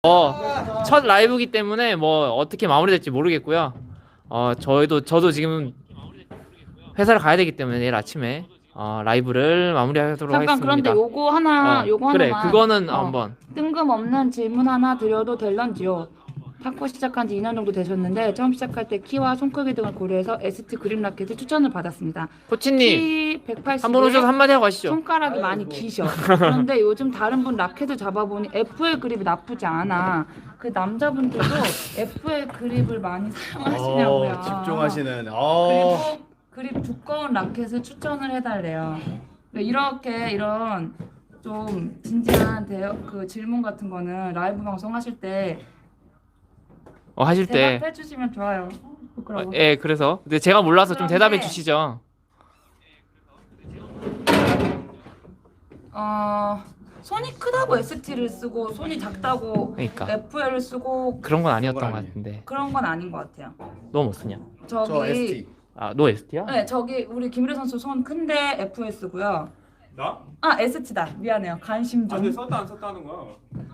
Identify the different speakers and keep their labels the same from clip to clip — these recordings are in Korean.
Speaker 1: 첫 라이브이기 때문에 뭐 어떻게 마무리될지 모르겠고요. 저도 지금 회사를 가야 되기 때문에 내일 아침에 라이브를 마무리하도록
Speaker 2: 잠깐
Speaker 1: 하겠습니다.
Speaker 2: 그런데 요거
Speaker 1: 그래,
Speaker 2: 하나만
Speaker 1: 그거는 한번.
Speaker 2: 뜬금없는 질문 하나 드려도 될런지요? 탁구 시작한 지 2년 정도 되셨는데 처음 시작할 때 키와 손 크기 등을 고려해서 ST 그립 라켓을 추천을 받았습니다.
Speaker 1: 코치님
Speaker 2: 키 180에
Speaker 1: 한번 오셔서 한마디 하고 가시죠.
Speaker 2: 손가락이 많이 기셔. 그런데 요즘 다른 분 라켓을 잡아보니 FL 그립이 나쁘지 않아. 그 남자분들도 FL 그립을 많이 사용하시냐고요.
Speaker 3: 집중하시는.
Speaker 2: 그리고 그립 두꺼운 라켓을 추천을 해달래요. 이런 좀 진지한 그 질문 같은 거는 라이브 방송 하실 때
Speaker 1: 하실 때.
Speaker 2: 대답해 주시면 좋아요. 부끄러워.
Speaker 1: 예, 그래서 근데 제가 몰라서 좀
Speaker 2: 그런데-
Speaker 1: 대답해 주시죠.
Speaker 2: 손이 크다고 ST를 쓰고 손이 작다고
Speaker 1: 그러니까
Speaker 2: FL을 쓰고
Speaker 1: 그런 건 아니었던
Speaker 3: 그런
Speaker 1: 것
Speaker 3: 건
Speaker 1: 같은데.
Speaker 2: 그런 건 아닌 것 같아요.
Speaker 1: 너 뭐 쓰냐?
Speaker 3: 저 ST.
Speaker 1: 너 ST야?
Speaker 2: 네, 저기 우리 김유래 선수 손 큰데 FL 쓰고요.
Speaker 4: 나?
Speaker 2: ST다. 미안해요. 관심 좀.
Speaker 4: 근데 썼다 안 썼다는 거야.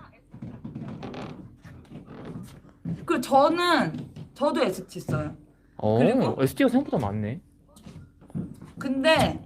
Speaker 2: 그 저도 ST 써요. 그리고-
Speaker 1: ST가 생각보다 많네.
Speaker 2: 근데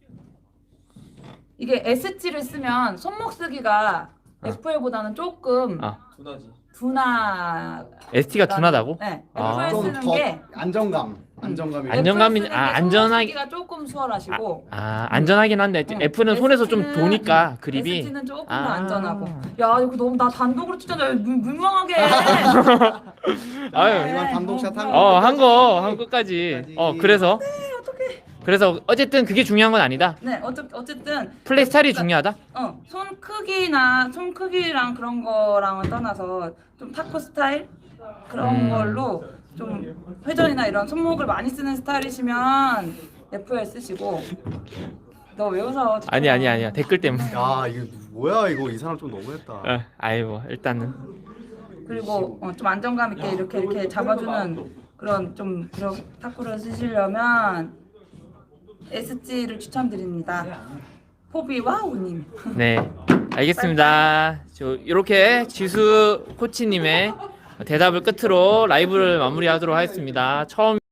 Speaker 2: 이게 ST를 쓰면 손목 쓰기가 FL보다는 조금
Speaker 4: 두나지.
Speaker 2: 둔하.
Speaker 1: ST가 둔하다고?
Speaker 2: 네.
Speaker 1: 아.
Speaker 2: FL
Speaker 3: 좀
Speaker 2: 쓰는
Speaker 3: 더
Speaker 2: 게
Speaker 3: 안정감이.
Speaker 1: 안정감이- 안전하게-
Speaker 2: 쓰기가 조금 수월하시고.
Speaker 1: 안전하긴 한데 F는 손에서 좀
Speaker 2: ST 는
Speaker 1: 도니까 그립이.
Speaker 2: ST는 조금 더
Speaker 1: 아.
Speaker 2: 안전하고. 야 이거 너무 나 단독으로 추천해. 물망하게.
Speaker 1: 아유,
Speaker 3: 마지막 단독샷 한
Speaker 1: 한 끝까지. 그래서 그래서 어쨌든 그게 중요한 건 아니다.
Speaker 2: 네, 어쨌든
Speaker 1: 플레이 스타일이 중요하다.
Speaker 2: 손 크기랑 그런 거랑은 떠나서 좀 탁구 스타일 그런 걸로 좀 회전이나 이런 손목을 많이 쓰는 스타일이시면 FL 쓰시고. 너 왜 웃어?
Speaker 1: 아니야. 댓글 때문에.
Speaker 3: 야 이거 뭐야 이거 이 사람 좀 너무했다.
Speaker 1: 아이고, 일단은
Speaker 2: 그리고 좀 안정감 있게 이렇게 잡아주는 그런 탁구를 쓰시려면 SG를 추천드립니다. 포비와 우님.
Speaker 1: 네, 알겠습니다. 이렇게 지수 코치님의 대답을 끝으로 라이브를 마무리하도록 하겠습니다. 처음